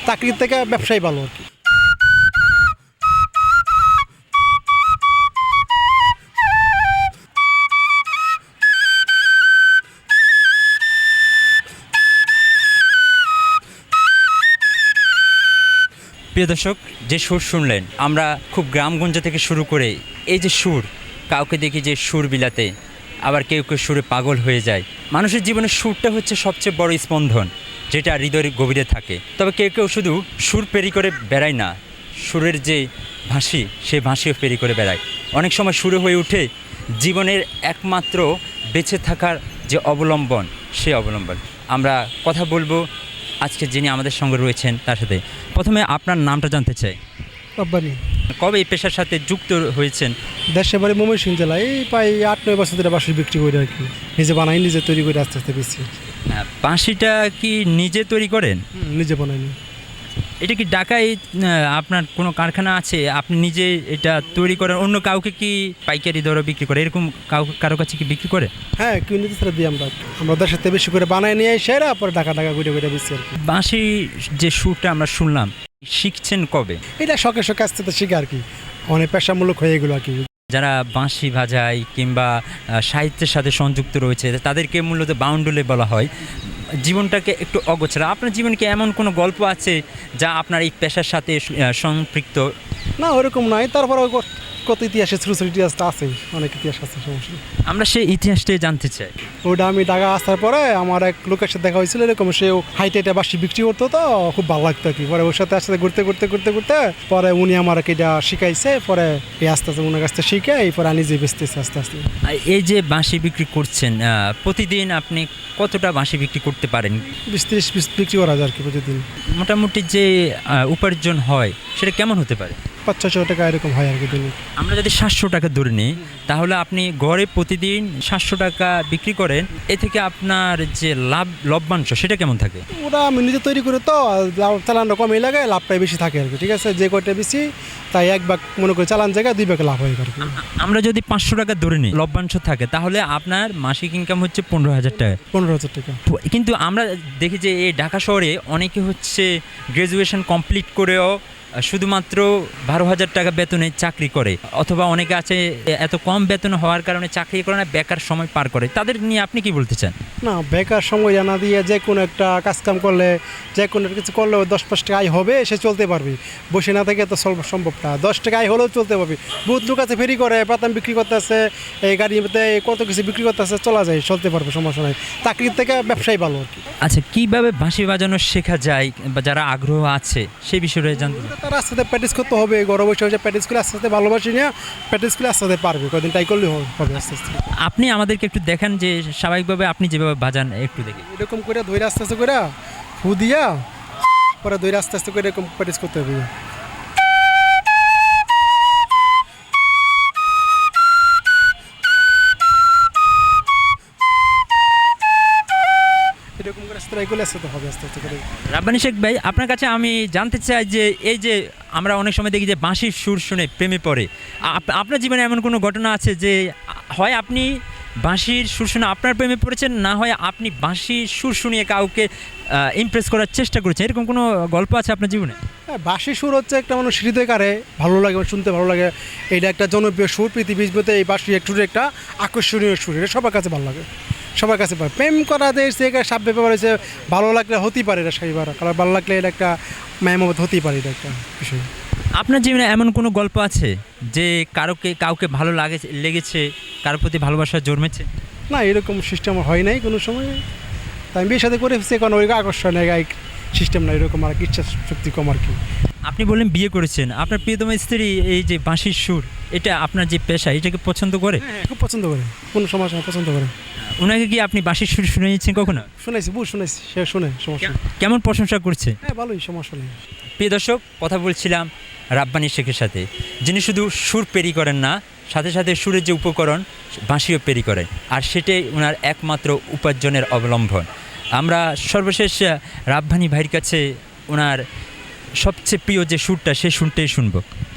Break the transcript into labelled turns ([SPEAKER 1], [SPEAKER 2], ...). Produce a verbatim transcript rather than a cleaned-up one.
[SPEAKER 1] চাকরির থেকে ব্যবসায় ভালো আর কি।
[SPEAKER 2] প্রিয় দর্শক, যে সুর শুনলেন, আমরা খুব গ্রামগঞ্জ থেকে শুরু করে এই যে সুর, কাউকে দেখি যে সুর বিলাতে, আবার কেউ কেউ সুরে পাগল হয়ে যায়। মানুষের জীবনে সুরটা হচ্ছে সবচেয়ে বড় স্পন্দন, যেটা হৃদয়ের গভীরে থাকে। তবে কেউ কেউ শুধু সুর পেরি করে বেড়ায় না, সুরের যে ভাষী, সে ভাষীও পেরি করে বেড়ায়। অনেক সময় সুরে হয়ে ওঠে জীবনের একমাত্র বেঁচে থাকার যে অবলম্বন, সে অবলম্বন। আমরা কথা বলবো আজকে যিনি আমাদের সঙ্গে রয়েছেন তার সাথে। প্রথমে আপনার নামটা জানতে চাই।
[SPEAKER 1] রব্বানি।
[SPEAKER 2] কবে এই পেশার সাথে যুক্ত হয়েছেন?
[SPEAKER 1] দেশের বাড়ি ময়মনসিংহ জেলায়, এই প্রায় আট নয় বছর ধরে বাঁশি বিক্রি করি আর কি। নিজে বানাই, নিজে তৈরি করে আস্তে আস্তে বেশি।
[SPEAKER 2] বাঁশিটা কি নিজে তৈরি করেন?
[SPEAKER 1] নিজে বানাইনি।
[SPEAKER 2] এটা কি ঢাকায় আপনার কোনো কারখানা আছে, আপনি নিজে এটা তৈরি করেন? অন্য কাউকে কি পাইকারি দরে বিক্রি করে, এরকম কাউ কারো কাছে কি বিক্রি করে?
[SPEAKER 1] হ্যাঁ, কিউ নিতে ছাড়া দিই আমরা। আমরা দেশের থেকে বেশি করে বানাই নিয়ে সেরা পরে ঢাকা ঢাকা ঘুরে ঘুরে বেশি আর কি।
[SPEAKER 2] বাঁশি যে সুরটা আমরা শুনলাম, শিখছেন কবে?
[SPEAKER 1] এটা শখে শখে আস্তে আস্তে শিখে আর কি, অনেক পেশামূলক হয়ে এগুলো আর কি।
[SPEAKER 2] যারা বাঁশি বাজায় কিংবা সাহিত্যের সাথে সংযুক্ত রয়েছে তাদেরকে মূলত বাউন্ডুলে বলা হয়। জীবনটাকে একটু অগোছালো। আপনার জীবনে কি এমন কোনো গল্প আছে যা আপনার এই পেশার সাথে সম্পৃক্ত?
[SPEAKER 1] না, ওরকম নাই। তারপরে কত ইতিহাসের ছোটো ছোটো ইতিহাসটা আছে, অনেক ইতিহাস আছে, সমস্যা।
[SPEAKER 2] আমরা সেই ইতিহাসটাই জানতে চাই।
[SPEAKER 1] ওটা আমি ঢাকা আসার পরে আমার এক লোকের সাথে দেখা হয়েছিল, এরকম সে হাইটে এটা বাঁশি বিক্রি করতো, তো খুব ভালো লাগতো আর কি। পরে ওর সাথে আসতে ঘুরতে ঘুরতে ঘুরতে ঘুরতে পরে উনি আমার এটা শিখাইছে, পরে এই আস্তে আস্তে ওনার কাছ থেকে শিখে এরপরে আমি নিজে বেচতেছি আস্তে আস্তে।
[SPEAKER 2] এই যে বাঁশি বিক্রি করছেন, প্রতিদিন আপনি কতটা বাঁশি বিক্রি করতে পারেন?
[SPEAKER 1] বিশ ত্রিশ পিস বিক্রি করা যায় আর কি প্রতিদিন।
[SPEAKER 2] মোটামুটি যে উপার্জন হয় সেটা কেমন হতে পারে?
[SPEAKER 1] পাঁচ ছশো টাকা এরকম হয় আর কি দিনে।
[SPEAKER 2] আমরা যদি সাতশো টাকা ধরে নিই, তাহলে আপনি গড়ে প্রতিদিন সাতশো টাকা বিক্রি করেন। এ থেকে আপনার যে লাভ লভ্যাংশ সেটা কেমন থাকে?
[SPEAKER 1] ওটা আমি নিজে তৈরি করে তো চালানটা কমই লাগে, লাভটাই বেশি থাকে আর কি। ঠিক আছে, যে কয়টা বেশি তাই এক ভাগ মনে করি চালান জায়গায় দুই ভাগে লাভ হয় আর কি।
[SPEAKER 2] আমরা যদি পাঁচশো টাকা ধরে নিই লভ্যাংশ থাকে, তাহলে আপনার মাসিক ইনকাম হচ্ছে পনেরো হাজার টাকা।
[SPEAKER 1] পনেরো হাজার টাকা।
[SPEAKER 2] কিন্তু আমরা দেখি যে এই ঢাকা শহরে অনেকে হচ্ছে গ্র্যাজুয়েশন কমপ্লিট করেও শুধুমাত্র বারো হাজার টাকা বেতনে চাকরি করে, অথবা অনেকে আছে এত কম বেতন হওয়ার কারণে চাকরি করে না, বেকার সময় পার করে। তাদের নিয়ে আপনি কি বলতে চান?
[SPEAKER 1] না, বেকার সময় জানা দিয়ে যে কোনো একটা কাজকাম করলে, যে কোনো কিছু করলে দশ পাঁচ টাকা আয় হবে, সে চলতে পারবি। বসে না থেকে তো সম্ভব না। দশ টাকা আয় হলেও চলতে পারবি। বহুত লোক আছে ফেরি করে, পাতাম বিক্রি করতে আছে, এই গাড়িতে কত কিছু বিক্রি করতে আছে, চলা যায়, চলতে পারবে, সমস্যা নাই। চাকরির থেকে ব্যবসায় ভালো আর কি।
[SPEAKER 2] আচ্ছা, কীভাবে বাঁশি বাজানো শেখা যায় বা যারা আগ্রহ আছে সেই বিষয়ে জানতে?
[SPEAKER 1] তার আস্তে আস্তে প্র্যাকটিস করতে হবে, ঘরে বসে বসে প্র্যাকটিস করে আস্তে আস্তে ভালোবাসি নিয়ে প্র্যাকটিস করে আস্তে আস্তে পারবে, কদিন ট্রাই করলে হবে আস্তে আস্তে।
[SPEAKER 2] আপনি আমাদেরকে একটু দেখান যে স্বাভাবিকভাবে আপনি যেভাবে বাজান, একটু দেখি।
[SPEAKER 1] এরকম করে ধৈর্য আস্তে আস্তে করে ফু দিয়া পরে ধৈর্য আস্তে আস্তে করে এরকম প্র্যাকটিস করতে হবে। এরকম করে আস্তে ট্রাই করলে আস্তে আস্তে হবে, আস্তে আস্তে করে।
[SPEAKER 2] রাব্বানী শেখ ভাই, আপনার কাছে আমি জানতে চাই যে এই যে আমরা অনেক সময় দেখি যে বাঁশির সুর শুনে প্রেমে পড়ে, আপনার জীবনে এমন কোনো ঘটনা আছে যে হয় আপনি বাঁশির সুর শুনে আপনার প্রেমে পড়েছেন, না হয় আপনি বাঁশির সুর শুনিয়ে কাউকে ইমপ্রেস করার চেষ্টা করেছেন, এরকম কোনো গল্প আছে আপনার জীবনে?
[SPEAKER 1] হ্যাঁ, বাঁশি সুর হচ্ছে একটা মানুষ হৃদয়কারে ভালো লাগে, শুনতে ভালো লাগে। এটা একটা জনপ্রিয় সুর পৃথিবীর মধ্যে। এই বাঁশি একটু একটা আকর্ষণীয় সুর, এটা সবার কাছে ভালো লাগে, সবার কাছে পারে। প্রেম করা দেয় সে সাপ ব্যাপার হয়েছে, ভালো লাগলে হতেই পারে এটা সাইবার, কারণ ভালো লাগলে এটা একটা মায়ামত হতেই পারে, এটা একটা বিষয়।
[SPEAKER 2] আপনার জীবনে এমন কোনো গল্প আছে যে কারোকে কাউকে ভালো লাগে লেগেছে, কারোর প্রতি ভালোবাসা জন্মেছে?
[SPEAKER 1] না, এরকম সিস্টেম হয় নাই কোনো সময়। তাই আমি বিয়ের সাথে করে ফেলছি, কারণ ওই আকর্ষণ সিস্টেম না এরকম, আর ইচ্ছা শক্তি কম আর কি।
[SPEAKER 2] আপনি বললেন বিয়ে করেছেন, আপনার প্রিয়তম স্ত্রী এই যে বাঁশির সুর, এটা আপনার যে পেশা, এটাকে পছন্দ করে?
[SPEAKER 1] হ্যাঁ, খুব পছন্দ করে, কোনো সমস্যা পছন্দ করে।
[SPEAKER 2] ওনাকে কি আপনি বাঁশির সুর শুনিয়েছেন কখনো?
[SPEAKER 1] শুনেছি, বহু শুনেছি, সে শুনে, সমস্যা।
[SPEAKER 2] কেমন প্রশংসা করছে?
[SPEAKER 1] হ্যাঁ, ভালোই, সমস্যা নেই।
[SPEAKER 2] প্রিয় দর্শক, কথা বলছিলাম রাব্বানী শেখের সাথে, যিনি শুধু সুর পেরি করেন না, সাথে সাথে সুরের যে উপকরণ বাঁশিও পেরি করেন, আর সেটাই ওনার একমাত্র উপার্জনের অবলম্বন। আমরা সর্বশেষ রাব্বানী ভাইয়ের কাছে ওনার সবচেয়ে প্রিয় যে সুরটা, সে সুরটাই শুনবো।